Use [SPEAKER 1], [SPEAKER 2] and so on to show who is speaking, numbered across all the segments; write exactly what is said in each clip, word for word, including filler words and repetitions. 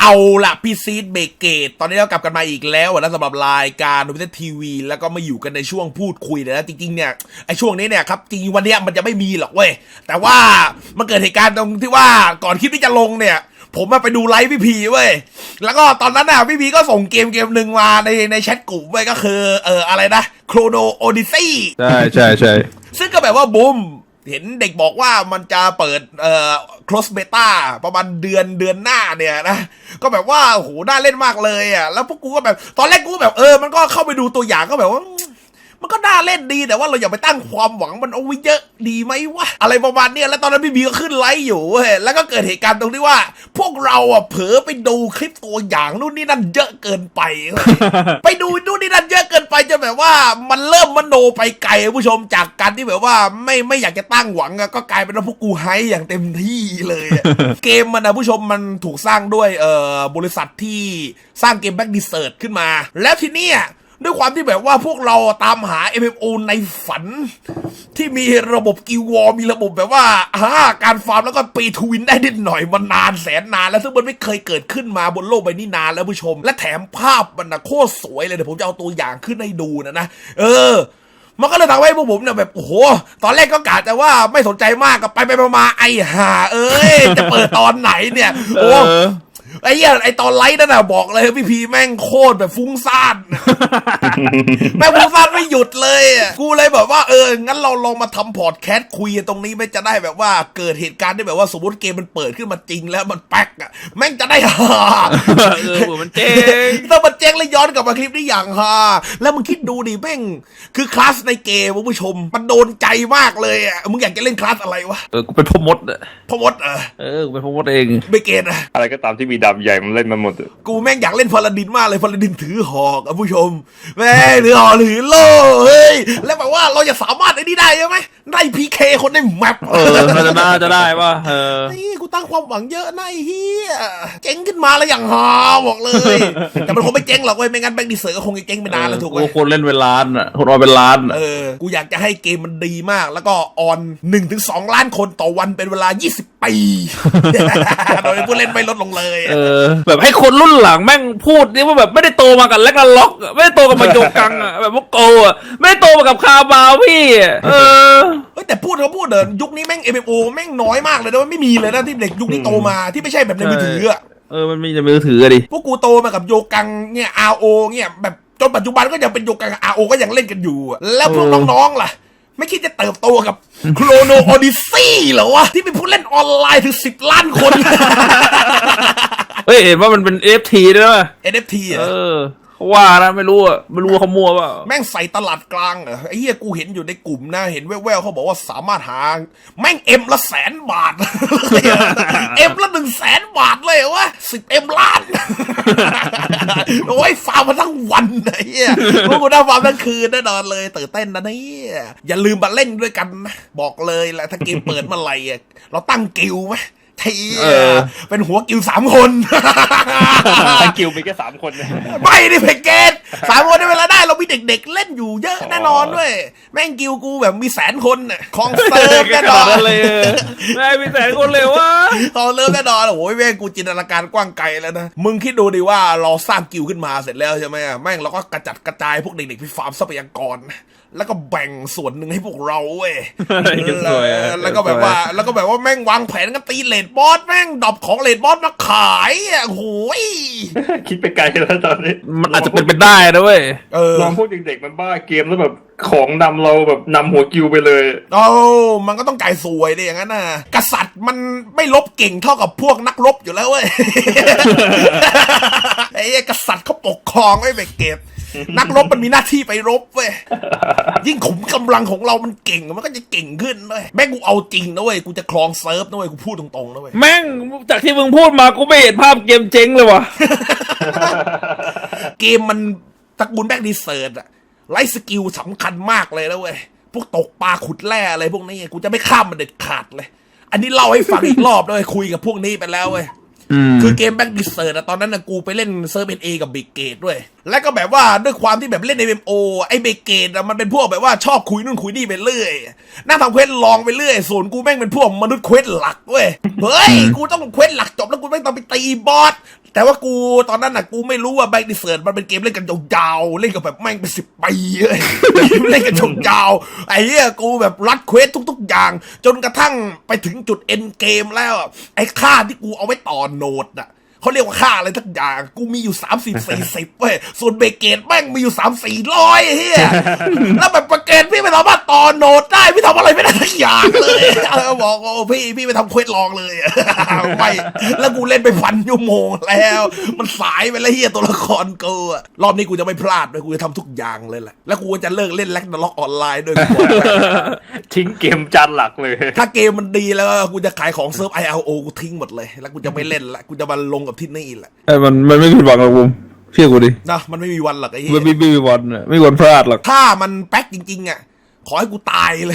[SPEAKER 1] เอาล่ะพี่ซีดเบเกตตอนนี้เรากลับกันมาอีกแล้วนะสำหรับรายการดูพิเศษทีวีแล้วก็มาอยู่กันในช่วงพูดคุยนะจริงๆเนี่ยไอช่วงนี้เนี่ยครับจริงวันนี้มันจะไม่มีหรอกเว้ยแต่ว่ามันเกิดเหตุการณ์ตรงที่ว่าก่อนคลิปที่จะลงเนี่ยผมมาไปดูไลฟ์พี่พีเว้ยแล้วก็ตอนนั้นน่ะพี่พีก็ส่งเกมเกมหนึ่งมาในในแชทกลุ่มเว้ยก็คือเอออะไรนะโครโนโอดิซี่
[SPEAKER 2] ใช่ใช่ใช่
[SPEAKER 1] ซึ่งก็แบบว่าบูมเห็นเด็กบอกว่ามันจะเปิดเอ่อ close beta ประมาณเดือนเดือนหน้าเนี่ยนะก็แบบว่าโหน่าเล่นมากเลยอ่ะแล้วพวกกูก็แบบตอนแรกกูแบบเออมันก็เข้าไปดูตัวอย่างก็แบบว่ามันก็น่าเล่นดีแต่ว่าเราอย่าไปตั้งความหวังมันเอาไว้เยอะดีไหมวะอะไรประมาณเนี้ยแล้วตอนนั้นพี่บีก็ขึ้นไลฟ์อยู่เว้ยแล้วก็เกิดเหตุการณ์ตรงที่ว่าพวกเราอ่ะเผลอไปดูคลิปตัวอย่างนู่นนี่นั่นเยอะเกินไป ไปดูนู่นนี่นั่นเยอะเกินไปจนแบบว่ามันเริ่มมโนไปไกลผู้ชมจากการที่แบบว่าไม่ไม่อยากจะตั้งหวังก็กลายเป็นว่าพวกกูไฮอย่างเต็มที่เลย เกมมันนะผู้ชมมันถูกสร้างด้วยเอ่อบริษัทที่สร้างเกมแบ็กดิเซิร์ตขึ้นมาแล้วทีเนี้ยด้วยความที่แบบว่าพวกเราตามหา เอ็ม เอ็ม โอ ในฝันที่มีระบบกิลวอร์มีระบบแบบว่าอ่าการฟาร์มแล้วก็ปีทวินได้นิดหน่อยมันนานแสนนานแล้วซึ่งมันไม่เคยเกิดขึ้นมาบนโลกใบนี้นานแล้วผู้ชมและแถมภาพมันนะโคตรสวยเลยเดี๋ยวผมจะเอาตัวอย่างขึ้นให้ดูนะนะเออมันก็เลยทำให้พวกผมเนี่ยแบบโอ้โหตอนแรกก็กะแต่ว่าไม่สนใจมากก็ไปไปมาไอ้ห่าเอ้ยจะเปิดตอนไหนเนี่ยโอ้ไอ้เหี้ยไอ้ตอนไลฟ์นั่นน่ะบอกเลยพี่พีแม่งโคตรแบบฟุ้งซ่านแม่งฟุ้งซ่านไม่หยุดเลยกูเลยแบบว่าเอองั้นเราลองมาทำพอดแคสต์คุยตรงนี้ไม่จะได้แบบว่าเกิดเหตุการณ์ที่แบบว่าสมมติเกมมันเปิดขึ้นมาจริงแล้วมันแป๊กอ่ะแม่งจะได้ฮา
[SPEAKER 2] เออมันเจ๊ง
[SPEAKER 1] ถ้ามันเจ๊งแล้วย้อนกลับมาคลิปนี้อย่างฮาแล้วมึงคิดดูดิแม่งคือคลาสในเกมผู้ชมมันโดนใจมากเลยอ่ะมึงอยากจะเล่นคลาสอะไรวะ
[SPEAKER 2] เออกูเป็นพ่อมดอ่ะ
[SPEAKER 1] พ่อมดเออ
[SPEAKER 2] เออกูเป็นพ่อมดเอง
[SPEAKER 1] ไม่เกตอะ
[SPEAKER 3] อะไรก็ตามที่มีดาบใหญ่มันเล่นมาหมด
[SPEAKER 1] กูแม่งอยากเล่นพาลาดินมากเลยพาลาดินถือหอกอ่ะผู้ชมแม่ถือหอกถือโล่เฮ้ยแล้วแบบว่าเราจะสามารถไอ้นี่ได้ไหมได้พีเคคนในแมป
[SPEAKER 2] เออจะน่าจะได้ป่ะเออ
[SPEAKER 1] นี่กูตั้งความหวังเยอะนะไอ้เฮียเจ๊งขึ้นมาแล้วอย่างฮาบอกเลยแต่มันคงไม่เจ๊งหรอกเว้ยไม่งั้นแบงค์ดิเซอร์ก็คงจะเจ๊งไปนานแล้วถูกไหม
[SPEAKER 2] คนเล่นเป็นล้านอ่ะคนรอเป็นล้าน
[SPEAKER 1] เออกูอยากจะให้เกมมันดีมากแล้วก็ออน หนึ่งถึงสอง ล้านคนต่อวันเป็นเวลายี่สิบปีโดยผู้เล่นไม่ลดลงเลย
[SPEAKER 2] เออแบบให้คนรุ่นหลังแม่งพูดนี่ว่าแบบไม่ได้โตมากับแล็กนาล็อกไม่ได้โตกับมาโยกังอ่ะแบบพวกโกอ่ะไม่ได้โตมากับคาบาวพี่เออ
[SPEAKER 1] แต่พูดเขาพูดเดินยุคนี้แม่ง เอ็ม เอ็ม โอ แม่งน้อยมากเลยนะไม่มีเลยนะที่เด็กยุคนี้โตมาที่ไม่ใช่แบบในมือถืออ่ะ
[SPEAKER 2] เออมันมีในมือถือดิ
[SPEAKER 1] พวกกูโตมากับโยกังเนี่ย อาร์ โอ เนี่ยแบบจนปัจจุบันก็ยังเป็นโยกัง อาร์ โอ ก็ยังเล่นกันอยู่แล้วพวกน้องๆล่ะไม่คิดจะเติบโตกับโครโนโอดิซี่เหรอวะที่เป็นผู้เล่นออนไลน์ถึงสิบล้านคน
[SPEAKER 2] เฮ้ยเห็นว่ามันเป็น เอ เอฟ ที ด้วยป่ะ
[SPEAKER 1] เอ็น เอฟ ที อ่ะ
[SPEAKER 2] เออว่านะไม่รู้อ่ะไม่รู้ว่าเขามั่วป่ะ
[SPEAKER 1] แม่งใส่ตลาดกลางเหรอไอ้เหี้ยกูเห็นอยู่ในกลุ่มนะเห็นแว่วๆเขาบอกว่าสามารถหาแม่งเอ็มละแสนบาทเอ็มละหนึ่งแสนบาทเลยวะสิบเอ็มล้านโอ้ยฟาร์มมาทั้งวันไอ้เหี้ยพวกกูได้ฟาร์มทั้งคืนแน่นอนเลยตื่นเต้นนะเนี่ยอย่าลืมมาเล่นด้วยกันนะบอกเลยแหละถ้าเกมเปิดเมื่อไหร่เราตั้งกิลด์ไหมทีเป็นหัวกิวสามคน
[SPEAKER 3] ทั้งกิวมีแค่สามคน
[SPEAKER 1] ไม่ได้เพเกตสามคนในเวลาได้เรามีเด็กๆเล่นอยู่เยอะแน่นอนด้วยแม่งกิวกูแบบมีแสนคนน่ะคลองเซิร์ฟแน่นอน
[SPEAKER 2] เลยแม่มีแสนคนเลยวะ
[SPEAKER 1] คลองเซิร์ฟแน่นอนโอ้ยแม่งกูจินตนาการกว้างไกลแล้วนะมึงคิดดูดิว่าเราสร้างกิวขึ้นมาเสร็จแล้วใช่ไหมแม่งเราก็กระจัดกระจายพวกเด็กๆไปฟาร์มทรัพยากรแล้วก็แบ่งส่วนหนึ่งให้พวกเราเว้ยแล้วก็แบบว่าแล้วก็แบบว่าแม่งวางแผนกันตีเลดบอสแม่งดรอปของเลดบอสมาขายอ่ะโอ้ย
[SPEAKER 3] คิดไปไกลแล้วตอนนี้
[SPEAKER 2] มันอาจจะเป็นไปได้นะเว้ย
[SPEAKER 3] ลองพวกเด็กๆมันบ้าเกมแล้วแบบของนำเราแบบนำหัวกิวไปเลย
[SPEAKER 1] โอ้มันก็ต้องไก่สวยดิอย่างนั้นน่ะกษัตริย์มันไม่ลบเก่งเท่ากับพวกนักรบอยู่แล้วเว้ยไอ้กษัตริย์เขาปกครองไว้เบเก็บนักรบมันมีหน้าที่ไปรบเว้ยยิ่งขุมกำลังของเรามันเก่งมันก็จะเก่งขึ้นด้วยแม่งกูเอาจริงนะเว้ยกูจะครองเซิร์ฟนะเว้ยกูพูดตรงๆนะเว้ย
[SPEAKER 2] แม่งจากที่มึงพูดมากูไม่เห็นภาพเกมเจ๊งเลยว่ะ
[SPEAKER 1] เกมมันตระกูลแบ็กดีเซิร์ตอะไลฟ์สกิลสำคัญมากเลยนะเว้ยพวกตกปลาขุดแร่อะไรพวกนี้กูจะไม่ข้ามมันเด็ดขาดเลยอันนี้เล่าให้ฟังอีกรอบด้วยคุยกับพวกนี้ไปแล้วเว้ยคือเกมแบ็กดิเซอร์ตอนนั้นนะกูไปเล่นเซิร์ฟเอ็นเอกับบิ๊กเกตด้วยแล้วก็แบบว่าด้วยความที่แบบเล่น เอ็ม เอ็ม โอ ไอ้บิ๊กเกตมันเป็นพวกแบบว่าชอบคุยนู่นคุยนี่ไปเรื่อยนั่งทำเควสลองไปเรื่อยส่วนกูแม่งเป็นพวกมนุษย์เควสหลักเว้ยเฮ้ยกูต้องเควสหลักจบแล้วกูแม่งต้องไปตีบอสแต่ว่ากูตอนนั้นน่ะกูไม่รู้ว่าแบ็กดิเซิร์ตมันเป็นเกมเล่นกันยาวๆเล่นกับแบบแม่งเป็นสิบปีเลยเล่นกันยาวๆไอ้เหี้ยกูแบบรัดเควสทุกๆอย่างจนกระทั่งไปถึงจุดเอ็นเกมแล้วไอ้ค่าที่กูเอาไว้ต่อโหนดน่ะเขาเรียกว่าค่าอะไรทักอย่างกูมีอยู่สามสิบสี่สิบเว้ยส่วนเบเกตแม่งมีอยู่สามสี่ร้อยเฮียแล้วแบบเบเกตพี่ไม่สามารถต่อโหนดได้พี่ทำอะไรไม่ได้ทักอย่างเลยบอกโอ้พี่พี่ไปทำเควสลองเลยไม่แล้วกูเล่นไปพันชั่วโมงแล้วมันสายไปแล้วเฮียตัวละครกูอะรอบนี้กูจะไม่พลาดเลยกูจะทำทุกอย่างเลยแหละแล้วกูจะเลิกเล่นแล็กนาล็อกออนไลน์ด้วย
[SPEAKER 3] ทิ้งเกมจานหลักเลย
[SPEAKER 1] ถ้าเกมมันดีแล้วกูจะขายของเซิร์ฟ ไอ แอล โอ กูทิ้งหมดเลยแล้วกูจะไม่เล่นละกูจะมาลงกับที่นี่แหละ
[SPEAKER 2] ไอ้มันมันไม่ผิดหวังหรอกผมเชื่อกูดิ
[SPEAKER 1] นะมันไม่มีวันหรอกไอ้เหี้
[SPEAKER 2] มัน
[SPEAKER 1] ย
[SPEAKER 2] ไม่ไม่มีวันอะไม่มีวันพลาดหรอก
[SPEAKER 1] ถ้ามันแป๊กจริงๆอ่ะขอให้กูตายเลย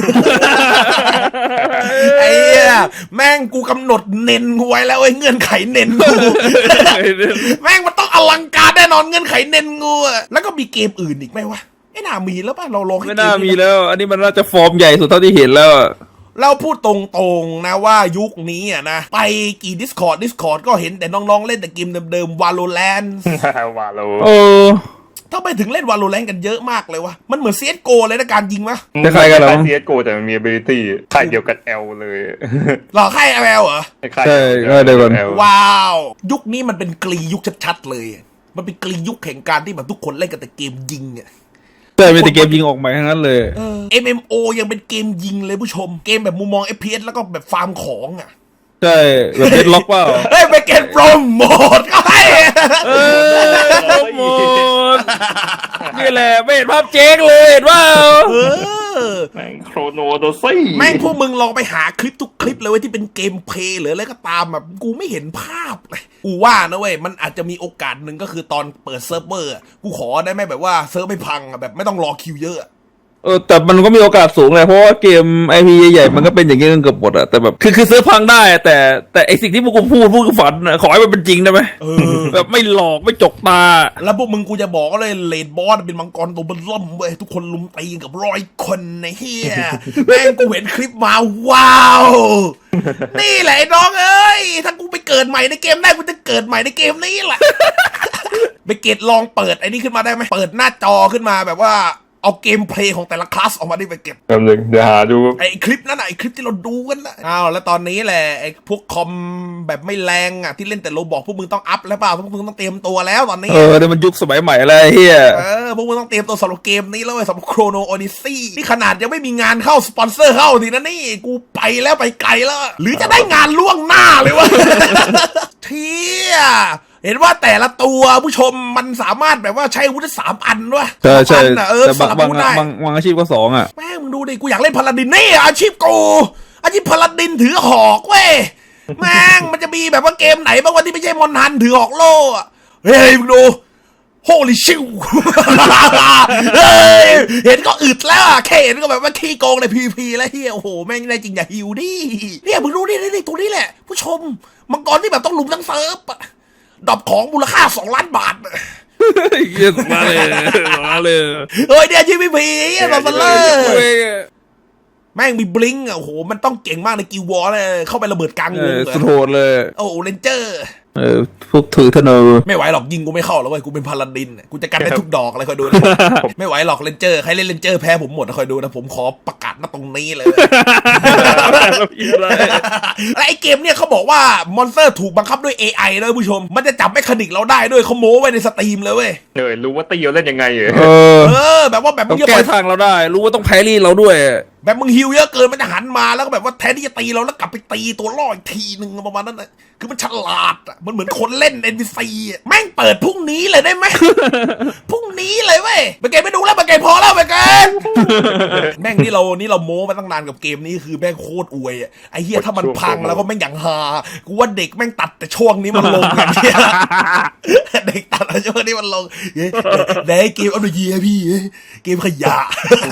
[SPEAKER 1] ไอ้เหี้ยแม่งกูกำหนดเน้นกูไว้แล้วไอ้เงื่อนไขเน้นกู แม่งมันต้องอลังการแน่นอนเงื่อนไขเน้นกูอะแล้วก็มีเกมอื่นอีกไหมวะไอ้น่ามีแล้วป่ะเราลองให้
[SPEAKER 2] ไม่
[SPEAKER 1] เก
[SPEAKER 2] น่ามี
[SPEAKER 1] นี้
[SPEAKER 2] แล้ว อันนี้มันน่าจะฟอร์มใหญ่สุดเท่าที่เห็นแล้วอะ
[SPEAKER 1] เราพูดตรงๆนะว่ายุคนี้อ่ะนะไปกี่ Discord Discord ก็เห็นแต่น้องๆเล่นแต่เกมเดิมๆ Valorant
[SPEAKER 3] ว่าโล
[SPEAKER 2] โอ้
[SPEAKER 1] ถ้าไปถึงเล่น Valorant กันเยอะมากเลยวะมันเหมือน ซี เอส โก เลยนะการยิงมะ
[SPEAKER 2] จะใครกันเหรอ
[SPEAKER 3] ซีเอสโกแต่มันมี ability ค่ายเดียวกัน L เลย
[SPEAKER 1] หรอค่าย แอล แอล เหรอ
[SPEAKER 3] ค่าย
[SPEAKER 2] ใช่ค่ายเดียวกัน
[SPEAKER 3] L
[SPEAKER 1] ว้าว ยุคนี้มันเป็นกรียุคชัดๆเลย มันเป็นกรียุคแห่งการที่แบบทุกคนเล่นกันแต่เกมยิงอ่ะ
[SPEAKER 2] ใช่เป็นแต่เกมยิงออกใหม่ทั้งนั้นเลย
[SPEAKER 1] เออ เอ็ม เอ็ม โอ ยังเป็นเกมยิงเลยผู้ชม เกมแบบมุมมอง เอฟ พี เอส แล้วก็แบบฟาร์มของอ่ะ
[SPEAKER 2] ใช่แบบเดดล็อกเปล่า
[SPEAKER 1] เฮ้ยไปเกมโปรโมทก็ให้
[SPEAKER 2] เออหมดนี่แหละไม่เห็นภาพเจ๊งเลยเห็นว่า
[SPEAKER 1] เออ
[SPEAKER 3] แม่งโครโนโดซี่
[SPEAKER 1] แม่งพวกมึงลองไปหาคลิปทุกคลิปเลยเว้ยที่เป็นเกมเพลย์หรืออะไรก็ตามแบบกูไม่เห็นภาพเลยกูว่านะเว้ยมันอาจจะมีโอกาสหนึ่งก็คือตอนเปิดเซิร์ฟเวอร์อะกูขอได้ไหมแบบว่าเซิร์ฟไม่พังอะแบบไม่ต้องรอคิวเยอะอะ
[SPEAKER 2] เออแต่มันก็มีโอกาสสูงเลยเพราะว่าเกมไอพีใหญ่ๆมันก็เป็นอย่างนี้กันเกือบหมดอะแต่แบบคือคือซื้อพังได้แต่แต่ไอสิ่งที่พวกกูพูดพวกกูฝันอะขอให้มันเป็นจริงได้ไหม
[SPEAKER 1] เออ
[SPEAKER 2] แบบไม่หลอกไม่จกตา
[SPEAKER 1] แล้วพวกมึงกูจะบอกเลยเลดบอสเป็นมังกรตัวเบนล่มเว้ยทุกคนลุมตีกันกับร้อยคนในเฮีย แม่งกูเห็นคลิปมาว้าว นี่แหละไอ้น้องเอ้ยถ้ากูไปเกิดใหม่ในเกมได้กูจะเกิดใหม่ในเกมนี้แหละ ไปเกตลองเปิดไอ้นี่ขึ้นมาได้ไหมเปิดหน้าจอขึ้นมาแบบว่าเอาเกมเพลย์ของแต่ละคลาสออกมาได้ไปเก็บ
[SPEAKER 3] แป๊บนึงเดี๋ยวหาดู
[SPEAKER 1] ไอ้คลิปนั้นน่ะไอ้คลิปที่เราดูกันนะอ้าวแล้วตอนนี้แหละไอ้พวกคอมแบบไม่แรงอ่ะที่เล่นแต่โรบอกพวกมึงต้องอัพแล้วเปล่าพวกมึงต้องเตรียมตัวแล้วตอนนี้
[SPEAKER 2] เออเนี่ยมันยุคสมัยใหม่อะไรเฮีย
[SPEAKER 1] เออพวกมึงต้องเตรียมตัวสำหรับเกมนี้แล้วไอ้สำหรับโครโนโอดิซี่นี่ขนาดยังไม่มีงานเข้าสปอนเซอร์เข้าทีนะนี่กูไปแล้วไปไกลแล้ว หรือจะได้งานล่วงหน้าเลยวะ เที่ยเห็นว่าแต่ละตัวผู้ชมมันสามารถแบบว่าใช้อาวุธได้สามอันด้วย
[SPEAKER 2] ใช่ใช่
[SPEAKER 1] สามอันน่ะเออ
[SPEAKER 2] แต่
[SPEAKER 1] ส
[SPEAKER 2] บาง
[SPEAKER 1] ลับบ
[SPEAKER 2] าง
[SPEAKER 1] อาวุธได้
[SPEAKER 2] บางบางอาชีพก็สองอ่ะ
[SPEAKER 1] แม่งมึงดูดิกูอยากเล่นพาลาดินนี่อาชีพกูอาชีพพาลาดินถือหอกเว้ยแม่งมันจะมีแบบว่าเกมไหนบ้างวันที่ไม่ใช่มอนฮันถือหอกโล่อะเฮ้ยมึงดูโฮลิชิว เฮ้ยเห็นก็อึดแล้วอะแค่เห็นก็แบบว่าขี้โกงในพีพีแล้วเฮียโอ้โหแม่งได้จริงอย่าหิวดิเนี่ยมึงดูดินี่ตัวนี้แหละ ผู้ชมมังกรที่แบบต้องลุมทั้งเซิร์ฟอะดรอปของมูลค่าสองล้านบาท
[SPEAKER 2] เยี่ยมมาเลยมาเลย
[SPEAKER 1] เฮ้ยเนี่ยชีพีพีเฮียตอนเล
[SPEAKER 2] เว้
[SPEAKER 1] ย
[SPEAKER 2] ย
[SPEAKER 1] แม่งมีบลิงก์อ่ะโอ้โหมันต้องเก่งมากในกิววอร์เลยเข้าไประเบิดกลาง
[SPEAKER 2] เอ
[SPEAKER 1] วง
[SPEAKER 2] อ
[SPEAKER 1] เลย
[SPEAKER 2] สุดโหดเลย
[SPEAKER 1] โอ้โหเรนเจอร์
[SPEAKER 2] เออพวกถือธนู
[SPEAKER 1] ไม่ไหวหรอกยิงกูไม่เข้าแล้วเว้ยกูเป็นพาลาดินกูจะกันได้ทุกดอกเลยคอยดูนะ ไม่ไหวหรอกเรนเจอร์ใครเล่นเรนเจอร์แพ้ผมหมดนะคอยดูนะผมขอประกาศมาตรงนี้เลย และไอเกมเนี่ยเขาบอกว่ามอนสเตอร์ถูกบังคับด้วย เอ ไอ ด้วยผู้ชมมันจะจับเมคานิกเราได้ด้วยเขาโม้ไว้ในสตรีมเลยเว้ย
[SPEAKER 3] เออรู้ว่าตีเราเล่นยังไงเหรอ
[SPEAKER 2] เออ
[SPEAKER 1] เออแบบว่าแบบมึ
[SPEAKER 2] ต้อง
[SPEAKER 1] งจะ
[SPEAKER 2] แก้
[SPEAKER 1] ปล่อย
[SPEAKER 2] ทางเราได้ รู้ว่าต้องแพรี่เราด้วย
[SPEAKER 1] แบบมึงฮิวเยอะเกินมันจะหันมาแล้วก็แบบว่าแทนที่จะตีเราแล้วกลับไปตีตัวล่ออีกทีนึงประมาณนั้นนะคือมันฉลาดอ่ะมันเหมือนคนเล่น เอ็น พี ซี อ่ะแม่งเปิดพรุ่งนี้เลยได้ไหม พรุ่งนี้เลยเว้ยไปเกมไม่ดูแล้วไปเกมพอแล้วไปเกม แม่งนี่เรานี่เราโม้มาตั้งนานกับเกมนี้คือแม่งโคตรอวยอ่ะไอ้เหี้ยถ้ามันพังแล้วก็แม่งอย่างฮากูว่าเด็กแม่งตัดแต่ช่วงนี้มันลงอย่างเงี้ย เด็กตัดแต่ช่วงนี้มันลงเฮ้ยไหนเกมเอาหน่อยเยียพี่เกมขยะ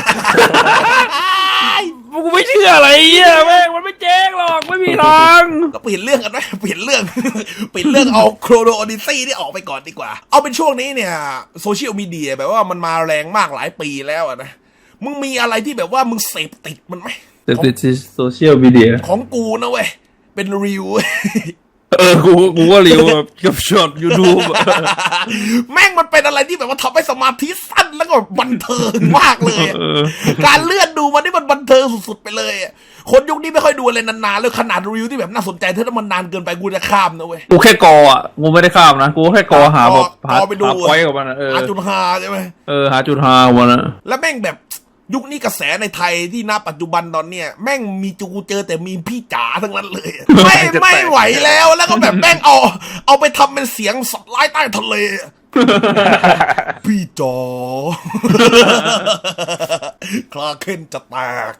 [SPEAKER 2] กูไม่เชื่ออะไรเงี้ยแม่งมันไม่แจ้งหรอกไม่มีทาง
[SPEAKER 1] ก็เปลี่ยนเรื่องกันไหมเปลี่ยนเรื่อง เปลี่ยนเรื่องเอาโครโนโอดิซี่นี่ออกไปก่อนดีกว่า เอาเป็นช่วงนี้เนี่ยโซเชียลมีเดียแบบว่ามันมาแรงมากหลายปีแล้วอะนะมึงมีอะไรที่แบบว่ามึงเสพติดมันไหม
[SPEAKER 2] แต่ติดโซเชียลมีเดีย
[SPEAKER 1] ของกูนะเว้ยเป็นรีวิว
[SPEAKER 2] เออกูกูก็เลี้ยวแบบกับช็อตยูทูบ
[SPEAKER 1] แม่งมันเป็นอะไรที่แบบว่าทำให้สมาธิสั้นแล้วก็บันเทิงมากเลยอะการเลื่อนดูมันนี่มันบันเทิงสุดๆไปเลยอะคนยุคนี้ไม่ค่อยดูอะไรนานๆเลยขนาดรีวิวที่แบบน่าสนใจถ้ามันนานเกินไปกูจะข้ามนะเว้ย
[SPEAKER 2] กูแค่กออ่ะกูไม่ได้ข้ามนะกูแค่กอหาแบบหา
[SPEAKER 1] เอาไปดู
[SPEAKER 2] หาไว้กับมันอะเออ
[SPEAKER 1] อาจุนฮาใช่ไหม
[SPEAKER 2] เออหาจุดหาของมันอะ
[SPEAKER 1] แล้วแม่งแบบยุคนี้กระแสในไทยที่ณปัจจุบันตอนเนี้ยแม่งมีจูเจอแต่มีพี่จ๋าทั้งนั้นเลย ไม่ไม่ไหวแล้วแล้วก็แบบแม่งเอาเอาไปทำเป็นเสียงสัตว์ร้ายใต้ทะเล พี่จอ คลาเคนจะแตก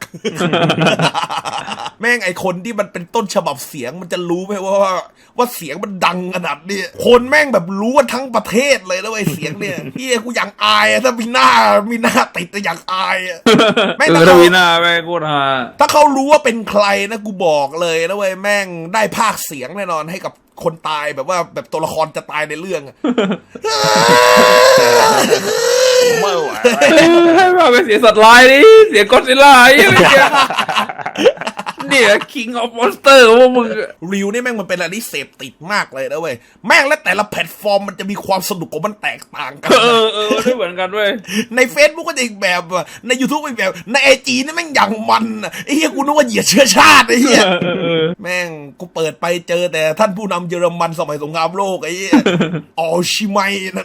[SPEAKER 1] แม่งไอคนที่มันเป็นต้นฉบับเสียงมันจะรู้ไหมว่าว่าว่าเสียงมันดังขนาดนี้คนแม่งแบบรู้กันทั้งประเทศเลยนะไอเสียงเนี่ย พี่กูอย่างอายอะถ้ามีหน้ามีหน้าติดแต่อย่างอายอะแม่ง
[SPEAKER 2] เออ
[SPEAKER 1] ถ้า
[SPEAKER 2] ท
[SPEAKER 1] เขา
[SPEAKER 2] วีนาแม่งกูหา
[SPEAKER 1] ถ้าเขารู้ว่าเป็นใครนะกูบอกเลยนะเว้ยแม่งได้ภาคเสียงแน่นอนให้กับคนตายแบบว่าแบบตัวละครจะตายในเรื่องอะ
[SPEAKER 3] ไม่ไหว
[SPEAKER 2] ให้มาเป็นเสียงสัตว์ร้ายดิเสียงก็อดซิลล่าไอ้เหี้ยเนี่ย King of Monster ของพวกมึงอะ
[SPEAKER 1] รีวนี่แม่งมันเป็นอะไรที่เสพติดมากเลยนะเว้ยแม่งและแต่ละแพลตฟอร์มมันจะมีความสนุกของมันแตกต่างกัน
[SPEAKER 2] เออเออไม่เหมือนกันเว้ย
[SPEAKER 1] ใน Facebook ก็จะอีกแบบอะใน YouTube อีกแบบใน ไอ จี นี่แม่งอย่างมันอะไอ้เหี้ยกูนึกว่าเหยียดเชื้อชาติไอ้เหี้ยแม่งกูเปิดไปเจอแต่ท่านผู้นำเยอรมันสมัยสงครามโลกไอ้เหี้ยออชิไมนั่น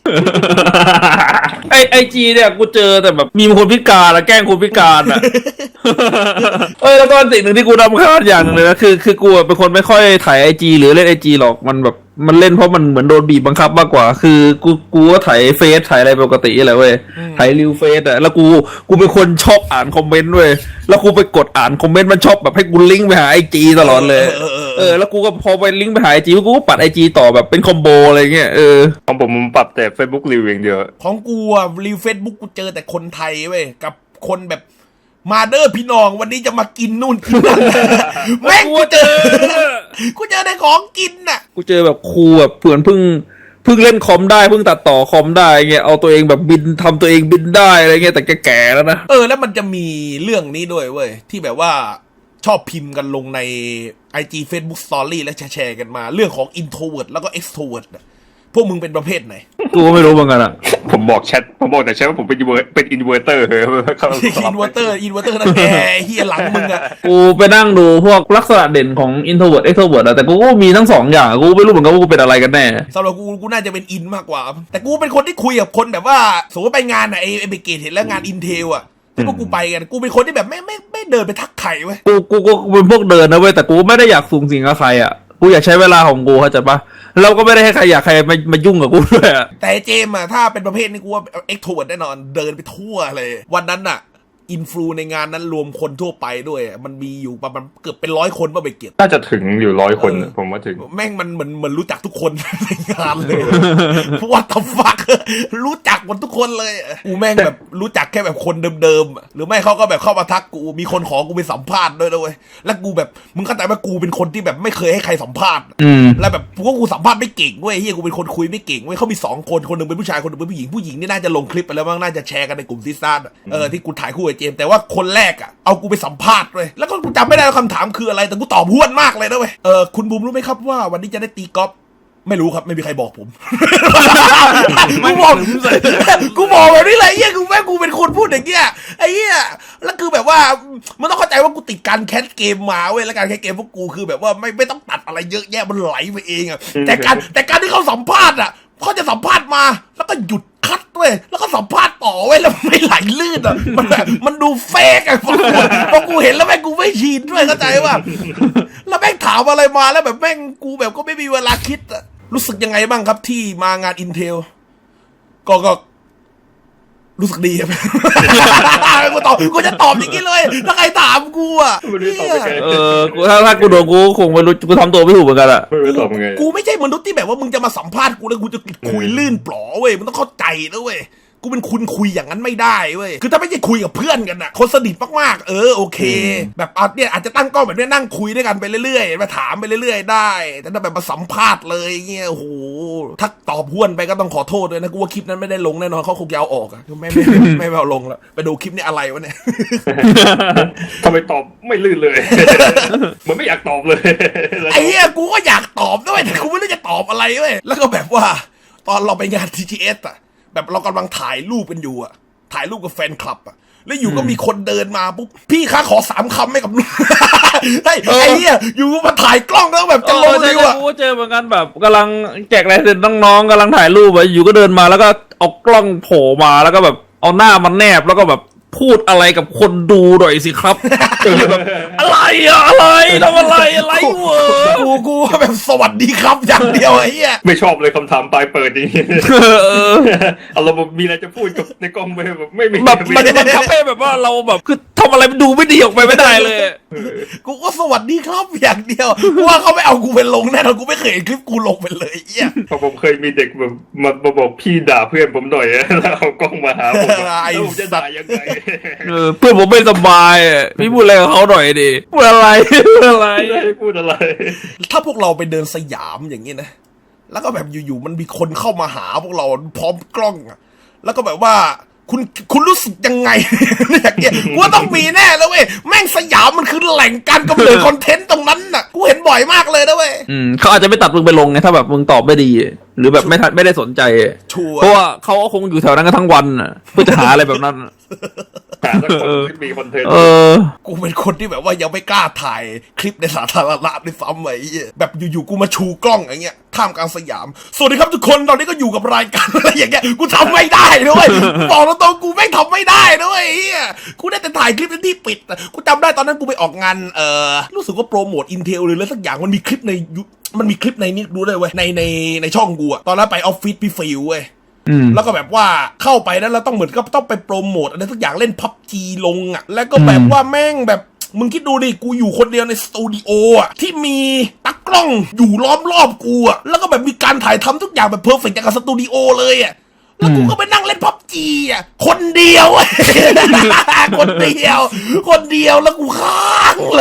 [SPEAKER 2] ไอไอจีเนี่ยกูเจอแต่แบบมีคนพิการอะแกล้งคนพิการอะ เอ้ยแล้วก็สิ่งหนึ่งที่กูรำคาญอย่างหนึ่งเลยนะคือคือกูเป็นคนไม่ค่อยถ่ายไอจีหรือเล่นไอจีหรอกมันแบบมันเล่นเพราะมันเหมือนโดนบีบบังคับมากกว่า คือกูกูก็ถ่ายเฟซถ่ายอะไรปกติแหละเว้ยถ่ายรีวเฟซอะแล้วกูกูเป็นคนชอบอ่านคอมเมนต์เว้ยแล้วกูไปกดอ่านคอมเมนต์มันชอบแบบให้กูลิงก์ไปหาไอจีตลอดเลยเออแล้วกูก็พอไปลิงก์ไปหาไอจีกูก็ปัดไอจีต่อแบบเป็นคอมโบอะไรเงี้ยเออ
[SPEAKER 3] ของผมผมปรับแต่ Facebook รีวิวอย่างเดียว
[SPEAKER 1] ของกูอะรีวเฟซบุ๊กกูเจอแต่คนไทยเว้ยกับคนแบบมาเด้อพี่น้องวันนี้จะมากินนู่นกินนั่น แม่งกูเจอ กูเจอในของกินน่ะ
[SPEAKER 2] กูเจอแบบครูแบบเพื่อนเพิ่งเพิ่งเล่นคอมได้เพิ่งตัดต่อคอมได้เงี้ยเอาตัวเองแบบบินทำตัวเองบินได้อะไรเงี้ยแต่แก่ๆแล้วนะ
[SPEAKER 1] เออแล้วมันจะมีเรื่องนี้ด้วยเว้ยที่แบบว่าชอบพิมพ์กันลงใน ไอ จี Facebook Story และแชร์ๆกันมาเรื่องของ introvert แล้วก็ extrovert น่ะพวกมึงเป็นประเภทไหน
[SPEAKER 2] กูก็ไม่รู้เหมือนกันอ่ะ
[SPEAKER 3] ผมบอกแชทผมบอกแต่แชทว่าผมเป็นอินเวอร์เป็นอินเวอร์เตอร์ เขาส
[SPEAKER 1] อิ
[SPEAKER 3] ลับ
[SPEAKER 1] นเวอร์เตอร์อินเวอร์เตอร์นั่นแกเฮียหลังมึงอะ
[SPEAKER 2] กูไปนั่งดูพวกลักษณะเด่นของ introvert extrovert อะแต่กูก็มีทั้งสองอย่างกูไม่รู้เหมือนกันว่ากูเป็นอะไรกันแน่
[SPEAKER 1] สำหรับกูกูน่าจะเป็นอินมากกว่า แต่กูเป็นคนที่คุยกับคนแบบว่าสมมติไปงานอะไอไอเบเกตเห็นแล้วงานอินเทลอะที่พวกกูไปกันกูเป็นคนที่แบบไม่ไม่ไม่เดินไปทักใครเว้ย
[SPEAKER 2] กูกูกูเป็นพวกเดินนะเว้ยแต่กูไม่ได้อยากสูงสิงกับใครอ่ะกูอยากใช้เวลาของกูเข้าใจปะเราก็ไม่ได้ให้ใครอยากใครมามายุ่งกับกูด้วยอ่ะ
[SPEAKER 1] แต่ไอ้เจมส์อะถ้าเป็นประเภทนี้กูว่าเอ็กโทรเวิร์ดแน่นอนเดินไปทั่วเลย วันนั้นอะอินฟลูในงานนั้นรวมคนทั่วไปด้วยอะมันมีอยู่ประมาณเกือบเป็นร้อยคนว่าไปเก็บ
[SPEAKER 3] น่าจะถึงอยู่ร้อยคนผมว่าถึง
[SPEAKER 1] แม่งมันเหมือนเหมือนรู้จักทุกคน ในงานเลย What the fuck รู้จักหมดทุกคนเลยกูแม่งแบบรู้จักแค่แบบคนเดิมๆอะหรือไม่เขาก็แบบเข้ามาทักกูมีคนขอกูไปสัมภาษณ์ด้วยนะเว้ยแล้วกูแบบมึงเข้าใจว่ากูเป็นคนที่แบบไม่เคยให้ใครสัมภาษณ์
[SPEAKER 2] อืม
[SPEAKER 1] แล้วแบบพวกกูสัมภาษณ์ไม่เก่งเว้ยเฮียกูเป็นคนคุยไม่เก่งเว้ยเขามีสองคนคนหนึ่งเป็นผู้ชายคนหนึ่งเป็นผู้หญิงผู้หญิงนี่น่าจะลงคลิปไปแล้วมั้งน่าจะแชร์กันในกลุ่มซิสซ่าอะเออที่กูถ่ายคู่กับเจมส์แต่ว่าคนแรกอ่ะเอากูไปสัมภาษณ์เว้ยแล้วก็กูจำไม่ได้ว่าคำถามคืออะไรแต่กูตอบห้วนมากเลยนะเว้ยเออคุณบูมรู้ไหมครับว่าวันนี้จะได้ตีกอล์ฟไม่รู้ครับไม่มีใครบอกผม กูบอกกูบอกแบบนี้เลยเฮียกูแม่งกูเป็นคนพูดอย่างเงี้ยไอ้เหี้ยแล้วคือแบบว่ามันต้องเข้าใจว่ากูติดการแคสเกมมาเว้ยแล้วการแคสเกมพวกกูคือแบบว่าไม่ไม่ต้องตัดอะไรเยอะแยะมันไหลไปเองอะแต่การแต่การที่เขาสัมภาษณ์อะเขาจะสัมภาษณ์มาแล้วก็หยุดคัดเว้ยแล้วก็สัมภาษณ์ต่อเว้ยแล้วไม่ไหลลื่นอะมันแบบมันดูเฟกอะพอกูพอกูเห็นแล้วแม่งกูไม่ชินด้วยเข้าใจว่าแล้วแม่งถามอะไรมาแล้วแบบแม่งกูแบบก็ไม่มีเวลาคิดอะรู้สึกยังไงบ้างครับที่มางาน Intel ก็ก็รู้สึกดีครับ กูตอบกูจะตอบอย่างนี้เลยถ้าใครถามกูอ่ะ
[SPEAKER 3] ไม่รู้จะตอบยังไง
[SPEAKER 2] เออกูถ้าถ้ากูโดนกูคงไม่รู้กูทำตัวไม่ถูกเหมือนกันอ่ะ
[SPEAKER 3] ไม่รู้จะตอบยังไง
[SPEAKER 1] กูไม่ใช่มนุษย์ที่แบบว่ามึงจะมาสัมภาษณ์กูแล้วกูจะคุยลื่นปลอเว้ยมึงต้องเข้าใจนะเว้ยกูเป็นคุณคุยอย่างนั้นไม่ได้เว้ยคือถ้าไม่ใช่คุยกับเพื่อนกันอะคนสนิทมากๆเออโอเคแบบเอาเนี่ยอาจจะตั้งกล้องแบบนี้นั่งคุยด้วยกันไปเรื่อยๆมาถามไปเรื่อยๆได้แต่ถ้าแบบมาสัมภาษณ์เลยเงี้ยโอ้โหถ้าตอบห้วนไปก็ต้องขอโทษด้วยนะกูว่าคลิปนั้นไม่ได้ลงแน่นอนเขาคงจะเอาออกอะไม่ไม่ไม่ไม่เอาลงแล้วไปดูคลิปนี้อะไรวะเนี่ย
[SPEAKER 3] ทำไมตอบไม่ลื่นเลย เหมือนไม่อยากตอบเลย
[SPEAKER 1] ไอ้เหี้ยกูก็อยากตอบด้วยแต่กูไม่รู้จะตอบอะไรเว้ยแล้วก็แบบว่าตอนเราไปงาน ที จี เอส อ่ะแบบเรากำลังถ่ายรูปกันอยู่อ่ะถ่ายรูปกับแฟนคลับอ่ะแล้วอยู่ก็มีคนเดินมาปุ๊บพี่คะขอสามคำให้กับ ไอ้ไอ้เหี้ยอยู่มาถ่ายกล้องแล้วแบบจะลง
[SPEAKER 2] เออ
[SPEAKER 1] ดี
[SPEAKER 2] ใช่
[SPEAKER 1] ว่ะ
[SPEAKER 2] กูก็เจอเหมือนกันแบบกำลังแจกลายเซ็นน้องๆกำลังถ่ายรูปอะอยู่ก็เดินมาแล้วก็เอากล้องโผล่มาแล้วก็แบบเอาหน้ามันแนบแล้วก็แบบพูดอะไรกับคนดูหน่อยสิครับ แบบอะไรอะอะไรทำอะไรอะไรเวอ
[SPEAKER 1] กูกูว่าแบบสวัสดีครับอย่างเดียวไอ้เหี้ย
[SPEAKER 3] ไม่ชอบเลยคำถามปลายเปิดนี้
[SPEAKER 2] เออ
[SPEAKER 3] เอาเราแบบมีอะไรจะพูดกับในกล้องไปแบบไม่ไม่
[SPEAKER 2] แบบมันมันทำให้แบบว่าเราแบบคือทำอะไรมันดูไม่ดีออกไปไม่ได้เลย
[SPEAKER 1] กูก็สวัสดีครับอย่างเดียวกูว่าเขาไม่เอากูไปลงแน่นอนกูไม่เคยเห็นคลิปกูลงไปเลยไอ้เหี้ย
[SPEAKER 3] เพราะผมเคยมีเด็กแบบมามาบอกพี่ด่าเพื่อนผมหน่อยแล้วเอากล้องมาหาผมแล้วผมจะด่ายังไง
[SPEAKER 2] เออเพื่อนผมไม่สบายอะพี่พูดอะไรกับเขาหน่อยดิพูดอะไรพูดอะไร
[SPEAKER 3] ไม่ได้พูดอะไร
[SPEAKER 1] ถ้าพวกเราไปเดินสยามอย่างนี้นะ แล้วก็แบบอยู่ๆมันมีคนเข้ามาหาพวกเราพร้อมกล้องอะแล้วก็แบบว่าคุณคุณรู้สึกยังไง อย่างเงี้ยกูว่าต้องมีแน่แล้วเว้ยแม่งสยามมันคือแหล่งการกำเนิดคอนเทนต์ตรงนั้นน่ะกูเห็นบ่อยมากเลยนะเว้ย
[SPEAKER 2] อืมเขาอาจจะไม่ตัดมึงไปลงไงถ้าแบบมึงตอบไม่ดี หรือแบบไม่ทันไม่ได้สนใจ
[SPEAKER 1] ชัวร์
[SPEAKER 2] เพราะว่าเขาก็คงอยู่แถวนั้นกันทั้งวันน่ะเพื่อจะหาอะไรแบบนั้น
[SPEAKER 3] หาสักคนที่มีคอนเทนต์
[SPEAKER 2] เออ
[SPEAKER 1] กูเป็นคนที่แบบว่ายังไม่กล้าถ่ายคลิปในสาธารณะด้วยซ้ำไอ้เหี้ยแบบอยู่ๆกูมาชูกล้องอย่างเงี้ยท่ามกลางสยามสวัสดีครับทุกคนตอนนี้ก็อยู่กับรายการ อะไรอย่างเงี้ยกูทำไม่ได้ด้วยกูบอกตรงๆกูไม่งทำไม่ได้ด้วยไอ้เหี้ยกูได้แต่ถ่ายคลิปในที่ปิดอะกูจำได้ตอนนั้นกูไปออกงานเอ่อรู้สึกว่าโปรโมทอินเทลหรืออะไรสักอย่างมันมีคลิปในยูมันมีคลิปในนี้ดูเลยเว้ยในในในช่องกูอะตอนนั้นไปออฟฟิศพี่ฟิวเว้ย
[SPEAKER 2] อืม
[SPEAKER 1] แล้วก็แบบว่าเข้าไปแล้วเราต้องเหมือนก็ต้องไปโปรโมทอะไรทุกอย่างเล่นพับจีลงอ่ะแล้วก็แบบว่าแม่งแบบมึงคิดดูดิกูอยู่คนเดียวในสตูดิโออ่ะที่มีตากล้องอยู่ล้อมรอบกูอ่ะแล้วก็แบบมีการถ่ายทำทุกอย่างแบบเพอร์เฟกต์จากบสตูดิโอเลยอ่ะแล้วกูก็ไปนั่งเล่นพับจีอ่ะคนเดียวอะ คนเดียว คนเดียวแล้วกูค้างเลย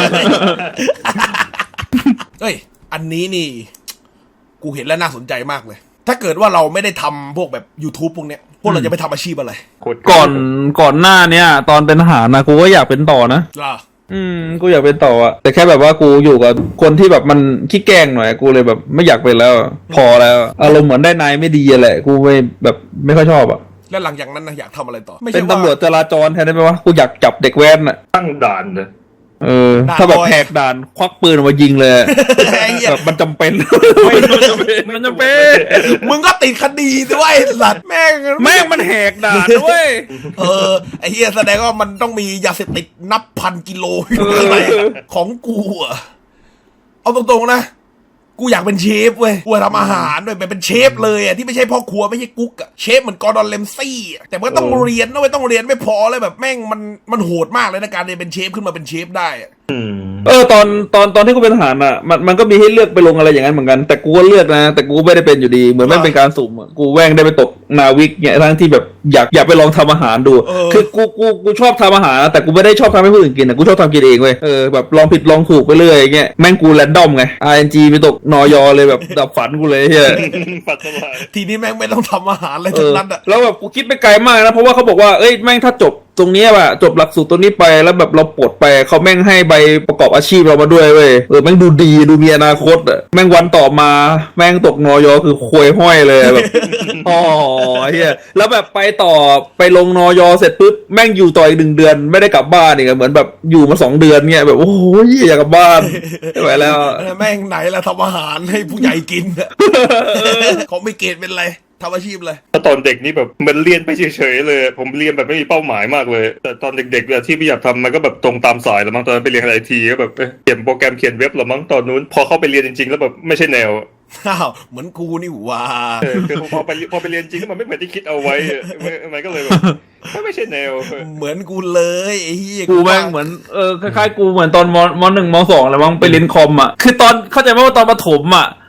[SPEAKER 1] เฮ้ยอันนี้นี่กูเห็นแล้วน่าสนใจมากเลยถ้าเกิดว่าเราไม่ได้ทำพวกแบบ YouTube พวกเนี้ยพวกเราจะไปทำอาชีพอะไร
[SPEAKER 2] ก่อนก่อนหน้าเนี้ยตอนเป็นทหารนะกูก็อยากเป็นต่อนะ
[SPEAKER 1] ล่ะ
[SPEAKER 2] อืมกูอยากเป็นต่ออะแต่แค่แบบว่ากูอยู่กับคนที่แบบมันขี้แกล้งหน่อยกูเลยแบบไม่อยากเป็นแล้ว พอแล้วอารมณ์เหมือนได้นายไม่ดีอะแหละกูไม่แบบไม่ค่อยชอบอะ
[SPEAKER 1] แล้วหลังจากนั้นนะอยากทำอะไรต่อไม่
[SPEAKER 2] เป็
[SPEAKER 1] ใช่
[SPEAKER 2] น
[SPEAKER 1] ว่า
[SPEAKER 2] ตำรวจจราจรแทนได้ไหมวะกูอยากจับเด็กแว้นอะ
[SPEAKER 3] ตั้งด่านนะ
[SPEAKER 2] เออ
[SPEAKER 1] ด่าน
[SPEAKER 2] ถ้าแบบ
[SPEAKER 1] ลอย
[SPEAKER 2] แหกด่านควักปืนออกมายิงเลยอะ
[SPEAKER 1] ไอ้เหี้ย
[SPEAKER 2] แบบมันจำเป็น
[SPEAKER 3] ไม่ไม่จำเป็น
[SPEAKER 2] มันจำเป็น
[SPEAKER 1] มึงก็ติดคดีด้วยไอ้สัตว์แม่ง
[SPEAKER 2] แม่งมันแหกด่านด้วย
[SPEAKER 1] เออไอ้เหี้ยแสดงว่ามันต้องมียาเสพติดนับพันกิโลอยู่ข้างในของกูอะเอาตรงๆนะกูอยากเป็นเชฟเว้ยกูอยากทำอาหารด้วยแบบเป็นเชฟเลยอ่ะที่ไม่ใช่พ่อครัวไม่ใช่กุ๊กอ่ะเชฟเหมือนกอร์ดอนเลมซี่อะแต่มันก็ต้องเรียนด้วยต้องเรียนไม่พอเลยแบบแม่งมันมันโหดมากเลยนะการเรียนเป็นเชฟขึ้นมาเป็นเชฟได้อะ
[SPEAKER 3] อืม
[SPEAKER 2] เออตอนตอนตอนที่กูเป็นทหารอ่ะมันมันก็มีให้เลือกไปลงอะไรอย่างนั้นเหมือนกันแต่กูก็เลือกนะแต่กูไม่ได้เป็นอยู่ดีเหมือนไม่เป็นการสุ่มอะกูแว่งได้ไปตกนาวิกเนี่ยทั้งที่แบบอยากอยากไปลองทำอาหารดู คือกูกูกูชอบทำอาหารแต่กูไม่ได้ชอบทำให้ผู้อื่นกินนะกูชอบทำกินเองเว้ยเออแบบลองผิดลองถูกไปเรื่อยอย่างเงี้ยแม่งกูแรนดอมไง อาร์ เอ็น จี ไปตกนอยเลยแบบดับฝันกูเลยเฮีย
[SPEAKER 3] ปัสสาวะ
[SPEAKER 1] ทีนี้แม่งไม่ต้องทำอาหารอะไร
[SPEAKER 2] เอ
[SPEAKER 1] ทั้ง
[SPEAKER 2] อ
[SPEAKER 1] นั้นอ่ะ
[SPEAKER 2] แล้วแบบกูคิดไปไกลมากนะเพราะว่าเขาบอกว่าเอ้ยแม่งถ้าจบตรงเนี้ยว่ะจบหลักสูตรตัวนี้ไปแล้วแบบเราปลดไปเขาแม่งให้ใบประกอบอาชีพเรามาด้วยเว้ยเออแม่งดูดีดูมีอนาคตอ่ะแม่งวันต่อมาแม่งตกนอยคือควยห้อยเลยแบบ อ๋อเฮียแล้วแบบไปต่อไปลงนอยเสร็จปุ๊บแม่งอยู่ต่ออีกหนึ่งเดือนไม่ได้กลับบ้านอีกอะเหมือนแบบอยู่มาสองเดือนเงี้ยแบบโอ้ยอยากกลับบ้านไม่ไหวแล้ว
[SPEAKER 1] แม่งไหนละทำอาหารให้ผู้ใหญ่กินอะของไม่เกตเป็นไรทำอาชีพเลย
[SPEAKER 3] ถ้าตอนเด็กนี่แบบมันเรียนไปเฉยๆเลย ผมเรียนแบบไม่มีเป้าหมายมากเลย แต่ตอนเด็กๆเนี่ยที่พี่อยากทำมันก็แบบตรงตามสายแล้วมั้งตอนนั้นไปเรียนไอทีก็แบบเอ้ยเขียนโปรแกรมเขียนเว็บแล้วมั้งตอนนู้นพอเข้าไปเรียนจริงๆแล้วแบบไม่ใช่แนว
[SPEAKER 1] อ้าวเหมือนกูนี่หว่า
[SPEAKER 3] เออคือพอไปพอไปเรียนจริงแล้วมันไม่เหมือนที่คิดเอาไว้อะมันก็เลยแบบไม่ใช่แนว
[SPEAKER 1] เหมือนกูเลยไอ้เหี้ย
[SPEAKER 2] กูแม่งเหมือนเออคล้ายๆกูเหมือนตอนมมหนึ่งมสองอะไรมั้งไปเรียนคอมอ่ะคือตอนเข้าใจไหมว่าตอนประถมอ่ะ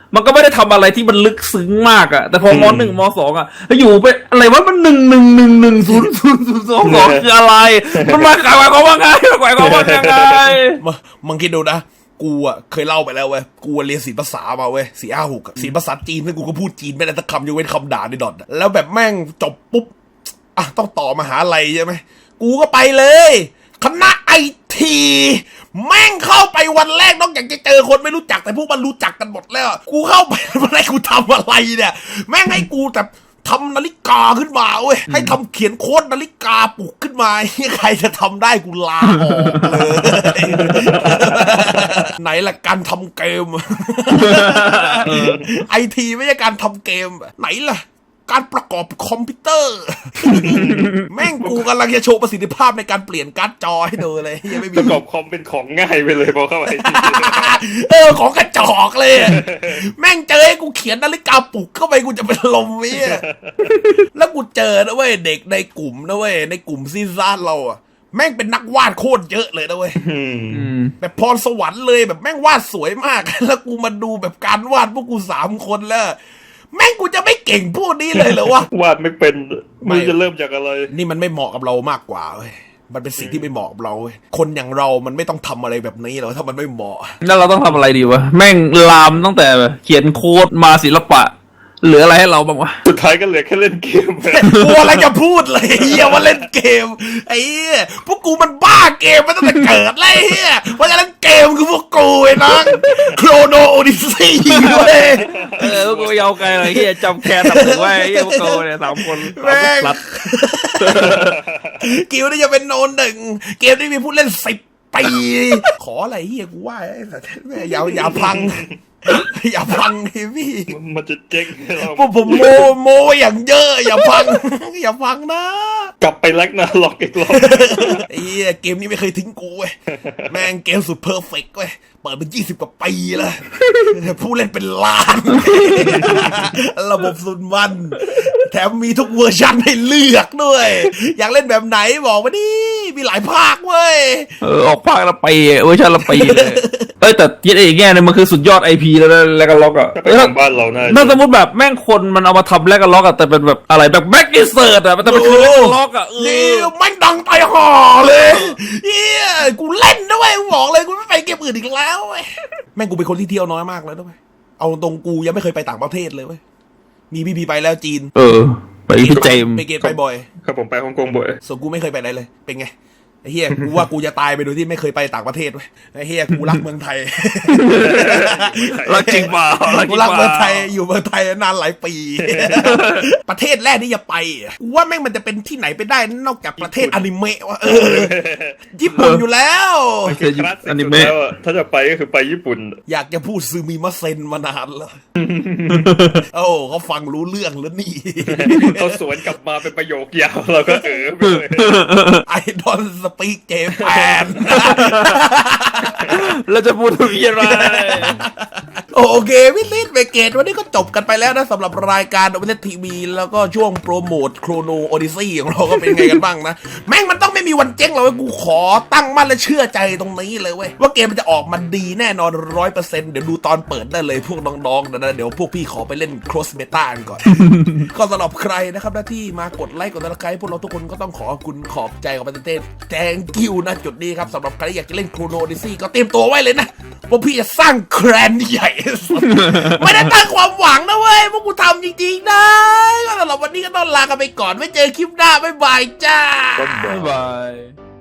[SPEAKER 2] มันก็ไม่ได้ทำอะไรที่มันลึกซึ้งมากอะแต่พอมหนึ่งมสองอะอยู่ไปอะไรวะมันหนึ่งหนึ่งหนึ่งหนึ่งศูนย์ศูนย์ศูนย์สองสองคืออะไรมันมาขายความว่าไงขายความว่ายังไง
[SPEAKER 1] มึงมึงคิดดูนะกูอ่ะเคยเล่าไปแล้วเว้ยกูเรียนศิลปภาษามาเว้ยสี่ห้าหกศิลปภาษาจีนซึ่งกูก็พูดจีนไม่ได้สักคำยกเว้นคำด่าในดอทอะแล้วแบบแม่งจบปุ๊บอ่ะต้องต่อมหาลัยใช่ไหมกูก็ไปเลยคณะไอทีแม่งเข้าไปวันแรกนอกจากจะเจอคนไม่รู้จักแต่พวกมันรู้จักกันหมดแล้วกูเข้าไปวันแรกกูทำอะไรเนี่ยแม่งให้กูแต่ทำนาฬิกาขึ้นมาเว้ยให้ทำเขียนโค้ดนาฬิกาปลุกขึ้นมาใครจะทำได้กูลาออกเลย ไหนล่ะการทำเกม ไอทีไม่ใช่การทำเกมไหนล่ะการประกอบคอมพิวเตอร์ แม่งกูกำลังจะโชว์ประสิทธิภาพในการเปลี่ยนการ์ดจอให้ดูเลยยังไม่มี
[SPEAKER 3] ประกอบคอมเป็นของง่ายไปเลยพอเข้าไป
[SPEAKER 1] เออของกระจอกเลย แม่งเจอให้กูเขียนนาฬิกาปลุกเข้าไปกูจะเป็นลมวิ่งแล้วกูเจอนะเว้ยเด็กในกลุ่มนะเว้ยในกลุ่มซีซ่านเราอะแม่งเป็นนักวาดโคตรเยอะเลยนะเว้ยแบบพรสวรรค์เลยแบบแม่งวาดสวยมาก แล้วกูมาดูแบบการวาดพวกกูสามคนแล้วแม่งกูจะไม่เก่งพวกนี้เลยเหรอวะ
[SPEAKER 3] วาดไม่เป็นไม่รู้จะเริ่มจากอะไร
[SPEAKER 1] นี่มันไม่เหมาะกับเรามากกว่าเว้ยมันเป็นสิ่งที่ไม่เหมาะกับเราเว้ยคนอย่างเรามันไม่ต้องทำอะไรแบบนี้หรอกถ้ามันไม่เหมาะ
[SPEAKER 2] แล้วเราต้องทำอะไรดีวะแม่งลามตั้งแต่เขียนโค้ดมาศิลปะเหลืออะไรให้เราบ้างวะ
[SPEAKER 3] สุดท้ายก็เหลือแค่เล่นเกม
[SPEAKER 1] กูอะไรจะพูดเลยเฮียว่าเล่นเกมไอ้เหี้ยพวกกูมันบ้าเกมมาตั้งแต่เกิดเลยเฮียเพราะฉะนั้นเกมคือพวกกูไอ้น้องโครโนโอดิซีเว้ย
[SPEAKER 2] เออพวกกูยาวไกลเลยเฮียจำแค่ทำถึงไว้เฮียพวกกูเนี่ยสามคนสาม
[SPEAKER 1] แม่ง
[SPEAKER 2] พลัด
[SPEAKER 1] กิวนี่จะเป็นโนนหนึ่งเกมที่มีผู้เล่นสิบปีขออะไรเฮียกูว่าไอ้สัตว์แม่อย่าอย่าพัง อย่าพังดิพี่
[SPEAKER 3] มันจะเจ๊งให้เรา
[SPEAKER 1] พวกผมโมโมอย่างเยอะอย่าพัง อย่าพังนะ
[SPEAKER 3] กลับไปแลกนาล็อกอีกรอบ
[SPEAKER 1] ไอ้เหี้ยเกมนี้ไม่เคยทิ้งกูเว้ยแม่งเกมสุดเพอร์เฟกต์เว้ยเปิดเป็นยี่สิบกว่าปีแล้วผู้เล่นเป็นล้าน ระบบสุดมันแถมมีทุกเวอร์ชันให้เลือกด้วย อยากเล่นแบบไหนบอกมาดิมีหลายภาคเว้ย
[SPEAKER 2] เออออกภาคละปีเวอร์ชันละปีเลยเอ้ยแต่ยึดไอ้แง่เนี่ยมันคือสุดยอดไอพีแล้วนะแล้วก็ล็อกอ่ะ
[SPEAKER 3] ก็เป็นของบ้านเราน่า
[SPEAKER 2] ถ้าสมมติแบบแม่งคนมันเอามาทำแล้วก็ล็อกอ่ะแต่เป็นแบบอะไรแบบแบ็กอินเสิร์ตอ่ะแต่เป็นคือแล้วก็ล็อกอ่ะเอ
[SPEAKER 1] นี่
[SPEAKER 2] อ
[SPEAKER 1] ไม่งดังไปห่อเลยเฮียกูเล่นนะเว้ยกูบอกเลยกูไม่ไปเกมอื่นอีกแล้วเว้ยแม่งกูเป็นคนที่เที่ยวน้อยมากเลยนะเว้ยเอาตรงกูยังไม่เคยไปต่างประเทศเลยเว้ยมีพี่พีไปแล้วจีน
[SPEAKER 2] เออไปพี่เจมส์
[SPEAKER 1] ไปเกตไปบ่อย
[SPEAKER 3] ครับผมไปฮ่องกงบ่อย
[SPEAKER 1] ส่วนกูไม่เคยไปไหนเลย เป็นไง ไอ้เฮียกูว่ากูจะตายไปโดยที่ไม่เคยไปต่างประเทศเว้ยไอ้เฮียกูรักเมืองไทย
[SPEAKER 2] รักจริงเปล่ารักจ
[SPEAKER 1] กู
[SPEAKER 2] ริง
[SPEAKER 1] รัก
[SPEAKER 2] เป
[SPEAKER 1] เมืองไท
[SPEAKER 2] ล่า
[SPEAKER 1] ยอยู่เมืองไทยนานหลายปี ประเทศแรกที่จะไปอ่ะกูว่าแม่งมันจะเป็นที่ไหนไปได้นอกจากประเทศอนิเมะวะเออญี่ปุ่นอยู่แล้ว
[SPEAKER 3] ๆคือคลาสสิกสุดแล้วอะถ้าจะไปก็คือไปญี่ปุ่น
[SPEAKER 1] อยากจะพูดซูมิมะเซนมานานแล้ว โอ้เขาฟังรู้เรื่องแล้วนี่
[SPEAKER 3] เขาสวนกลับมาเป็นประโยคยาวเราก็เออไปเลย
[SPEAKER 1] ไอดอนสปีกเจแปน
[SPEAKER 2] เราจะพูดถึงยังไง
[SPEAKER 1] โอเควิลลิสเวเกตวันนี้ก็จบกันไปแล้วนะสำหรับรายการโอเปนทีวีแล้วก็ช่วงโปรโมทโครโนโอดิซี่ของเราก็เป็นไงกันบ้างนะ แม่งมันต้องไม่มีวันเจ๊งหรอกเว้ยกูขอตั้งมั่นและเชื่อใจตรงนี้เลยเว้ยว่าเกมมันจะออกมาดีแน่นอนร้อยเปอร์เซ็นต์เดี๋ยวดูตอนเปิดได้เลยพวกน้องๆนะเดี๋ยวพวกพี่ขอไปเล่น cross beta กันก่อน ก็สำหรับใครนะครับหน้าที่มากดไลค์กดติดตามพวกเราทุกคนก็ต้องขอขอบคุณขอบใจกับประเทศแจงกิวนะจุดนี้ครับสำหรับใครที่อยากจะเล่นโครโนโอดิซี่ก็เตรียมตัวไว้เลยนะพวกพี่จะสร้างแครนใหญ่ ไม่ได้ตั้งความหวังนะเว้ยพวกกูทำจริงๆนะก็สำหรับวันนี้ก็ต้องลากันไปก่อนไว้เจอคลิปหน้าบ๊ายบายจ้า
[SPEAKER 2] บ๊ายบาย